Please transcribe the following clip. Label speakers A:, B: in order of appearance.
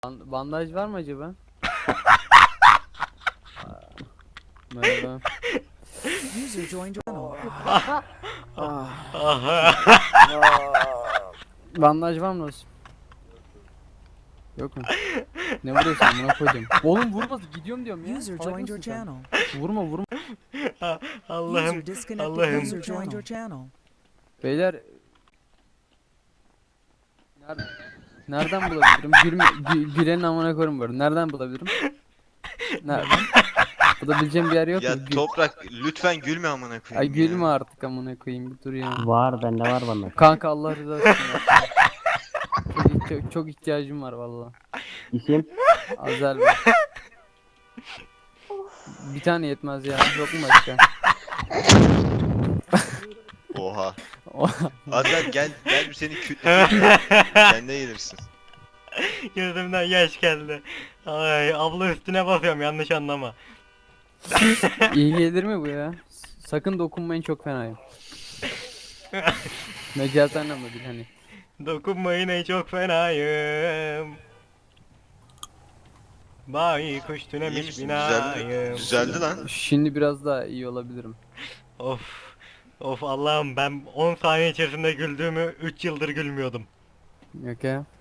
A: Bandaj var mı acaba? Merhaba.
B: User joined your channel.
A: Bandaj var mı dostum? Yok mu? Ne vuruyorsun amına koydum. Oğlum vurma gidiyorum diyorum ya.
B: User
A: Salak
B: joined your
A: mısın sen?
B: channel.
A: Vurma vurma.
C: Allah'ım,
B: User disconnected.
C: Allah'ım.
B: User joined your channel.
A: Beyler nerede, nereden bulabilirim? Gülenin amına koyayım böyle. Nereden bulabilirim? Nereden? Bulabileceğim bir yer yok mu?
D: Ya Toprak lütfen gülme amına
A: Ay
D: koyayım
A: gülme
D: ya.
A: artık amına koyayım bir dur ya.
E: Var bende var bana.
A: Kanka Allah rızası için yap. Çok ihtiyacım var valla.
E: İsim?
A: Azel Bey. Bir tane yetmez ya. Yok mu başka?
D: Oha.
A: O-
D: Azar gel bir seni kütle. Kendine gelirsin.
C: Gözümden yaş geldi. Ay abla üstüne basıyorum, yanlış anlama.
A: İyi gelir mi bu ya? Sakın dokunmayın, çok fenayım. Mecazi anlamda değil hani.
C: Dokunmayın ey çok fenayım. Bay kuş
D: İyi
C: tünemiş
D: misin?
C: binayım.
D: Düzeldi lan.
A: Şimdi biraz daha iyi olabilirim.
C: Of. Of Allah'ım, ben 10 saniye içerisinde güldüğümü 3 yıldır gülmüyordum.
A: Yok ya.